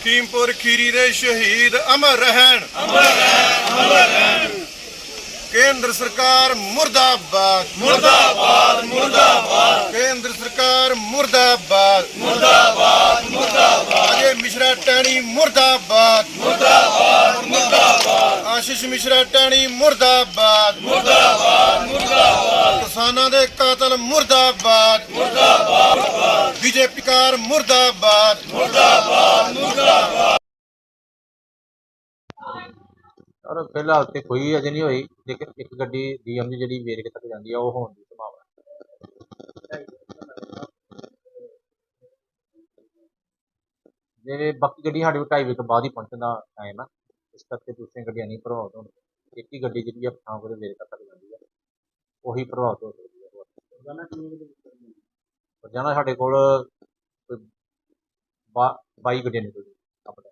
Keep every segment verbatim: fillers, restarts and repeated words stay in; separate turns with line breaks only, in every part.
लखीमपुर खीरी दे शहीद अमर रहन,
अमर रहन, अमर रहन।
केंद्र सरकार मुर्दाबाद,
मुर्दाबाद, मुर्दाबाद,
केंद्र सरकार मुर्दाबाद,
मुर्दाबाद, मुर्दाबाद,
अजय मिश्रा टैनी मुर्दाबाद,
मुर्दाबाद, मुर्दाबाद,
आशीष मिश्रा टैनी मुर्दाबाद,
मुर्दाबाद, मुर्दाबाद,
किसानां दे कातल मुर्दाबाद,
मुर्दाबाद,
बीजेपी कार मुर्दाबाद,
मुर्दाबाद, मुर्दाबाद।
और फिलहाल तो कोई अजे नहीं हुई, लेकिन एक गड्डी डीएम की जी वेरके तक जाती है, वो होने की संभावना जे बाकी गड्डी साढ़े ढाई बजे तो बाद ही पहुंचने का टाइम है, इस करके दूसरी गड्डियां नहीं प्रभावित होंगी। एक ही गड्डी जी पठानकोट वेरके तक जाती है, वही प्रभावित हो सकती है। रोजाना साढ़े कोल बाई गड्डियां निकलती अपने।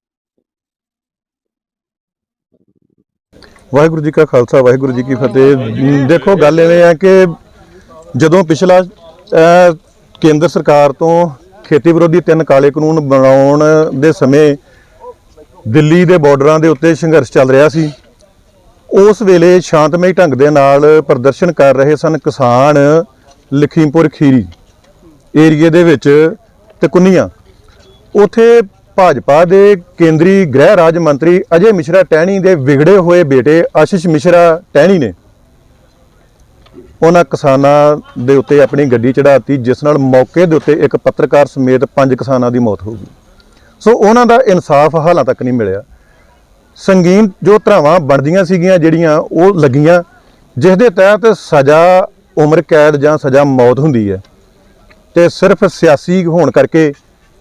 वाहिगुरू जी का खालसा वाहिगुरू जी की फतेह। देखो गल इवें है कि जदों पिछला केंद्र सरकार तो खेती विरोधी तीन काले कानून बनाउण दे समय दिल्ली दे बॉर्डरां दे उत्ते संघर्ष चल रहा सी, उस वेले शांतमई ढंग दे नाल प्रदर्शन कर रहे सन किसान लखीमपुर खीरी एरिए दे विच ते कुन्नियां। उत्थे भाजपा के केंद्री गृह राज मंत्री अजय मिश्रा टहनी के विगड़े हुए बेटे आशीष मिश्रा टहनी ने उन्होंने किसानों के उत्ते अपनी गड्डी चढ़ाती, जिस नाल मौके के उत्ते एक पत्रकार समेत पांच किसानों की मौत हो गई। सो उन्हों का इंसाफ हालां तक नहीं मिलिया। संगीन जो धरावां बनदियां सीगियां जिहड़ियां वो लगियां, जिस दे तहत सज़ा उम्र कैद जां सज़ा मौत हुंदी है, ते सिर्फ सियासी होने करके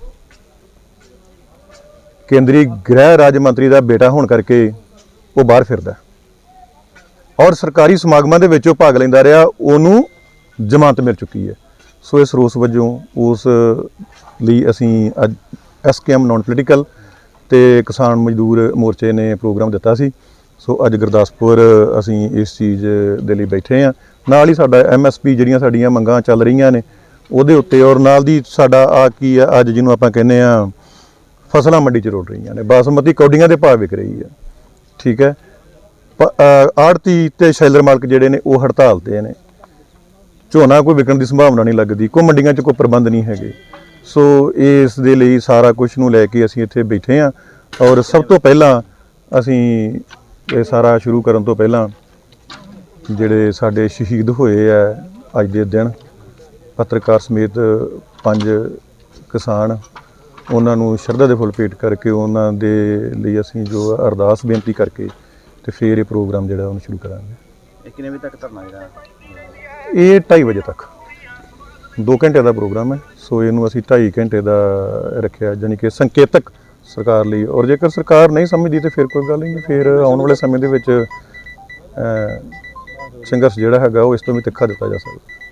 केंद्रीय गृह राज्य मंत्री का बेटा होने करके वो बाहर फिरदा और सरकारी समागमां दे विच भाग लैंदा रहा, उन्होंने जमानत मिल चुकी है। सो इस रोस वजों उस लई असीं अज S K M non political ते किसान मजदूर मोर्चे ने प्रोग्राम दिता सी। सो अज गुरदासपुर असीं इस चीज़ दे लई बैठे हाँ। नाल ही साडा एम एस पी जिहड़ियां साडीआं मंगां चल रहीआं ने उहदे उत्ते, और नाल दी साडा आ की है अज जिहनूं आपां कहने आ फसलां मंडी च रुल रही ने, बासमती कौडियां दे भाव विक रही है। ठीक है, आड़ती ते शैलर मालक जिहड़े ने वो हड़ताल ते ने, झोना कोई विकण की संभावना नहीं लगती, कोई मंडियां च कोई प्रबंध नहीं है। सो इस दे लई सारा कुछ नूं लैके असीं इत्थे बैठे हाँ। और सब तो पहलां असीं ये सारा शुरू करन तो पहलां जिहड़े साडे शहीद होए है अज दे दिन, पत्रकार समेत पंज किसान, उन्होंने श्रद्धा के फुल भेट करके उन्होंने लिए असीं जो अरदास बेनती करके तो फिर ये प्रोग्राम जो है शुरू करांगे।
कितने बजे तक धरना है?
ये ढाई बजे तक दो घंटे का प्रोग्राम है। सो इनू असीं ढाई घंटे का रखा, जानी कि संकेतक सरकार लिए, और जेकर सरकार नहीं समझती तो फिर कोई गल नहीं, फिर आने वाले समय के संघर्ष जोड़ा है वो इस तो भी तिखा दिता जा सकता।